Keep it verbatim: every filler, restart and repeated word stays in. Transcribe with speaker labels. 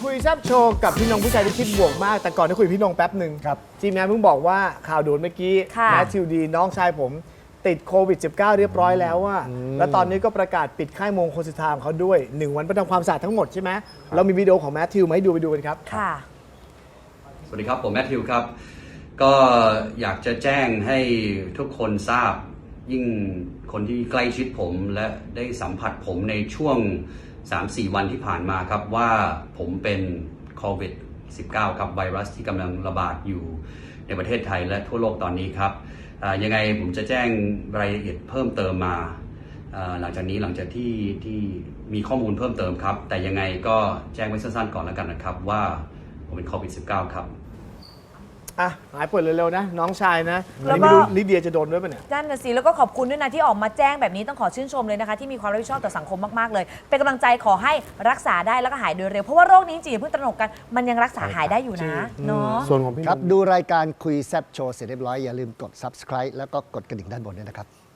Speaker 1: คุยแซบโชว์กับพี่นงผู้ชายที่คิดบวกมากแต่ก่อนที่คุยพี่นงแป๊บหนึ่ง
Speaker 2: ครับ
Speaker 1: ทีมงานเพิ่งบอกว่าข่าวด่วนเมื่อกี้
Speaker 3: ค่ะ
Speaker 1: แมทธิวดีน้องชายผมติดโควิด สิบเก้า เรียบร้อยแล้วว่าแล้วตอนนี้ก็ประกาศปิดค่ายมงคลสิทธาของเขาด้วยหนึ่งวันไปทำความสะอาดทั้งหมดใช่ไหมเรามีวิดีโอของแมทธิวมาให้ดูไปดูกันครับ
Speaker 3: ค่ะ
Speaker 4: สวัสดีครับผมแมทธิวครับก็อยากจะแจ้งให้ทุกคนทราบยิ่งคนที่ใกล้ชิดผมและได้สัมผัสผมในช่วง สามสี่ วันที่ผ่านมาครับว่าผมเป็นโควิด สิบเก้า ครับไวรัสที่กำลังระบาดอยู่ในประเทศไทยและทั่วโลกตอนนี้ครับยังไงผมจะแจ้งรายละเอียดเพิ่มเติมมาหลังจากนี้หลังจากที่ที่มีข้อมูลเพิ่มเติมครับแต่ยังไงก็แจ้งไว้สั้นๆก่อนแล้วกันนะครับว่าผมเป็นโควิด สิบเก้า ครับ
Speaker 1: อ่ะหายป่วยเร็วๆนะน้องชายนะอัน
Speaker 3: แล้ว
Speaker 1: นี้
Speaker 3: ก็
Speaker 1: ไม่รู้ลิเดียจะโดนด้วยป่ะเนี่ย
Speaker 3: นั่นนะสิแล้วก็ขอบคุณด้วยนะที่ออกมาแจ้งแบบนี้ต้องขอชื่นชมเลยนะคะที่มีความรับผิดชอบต่อสังคมมากๆเลยเป็นกำลังใจขอให้รักษาได้แล้วก็หายโดยเร็วเพราะว่าโรคนี้จริงๆอย่าเพิ่งตระหนกกันมันยังรักษาหายได้อยู่นะเนาะ
Speaker 1: ส่วนของพี่น
Speaker 2: ครับ
Speaker 1: ง
Speaker 2: ดูรายการคุยแซบโชว์เสร็จเรียบร้อยอย่าลืมกด ซับสไครบ์ แล้วก็กดกระดิ่งด้านบนด้วยนะครับ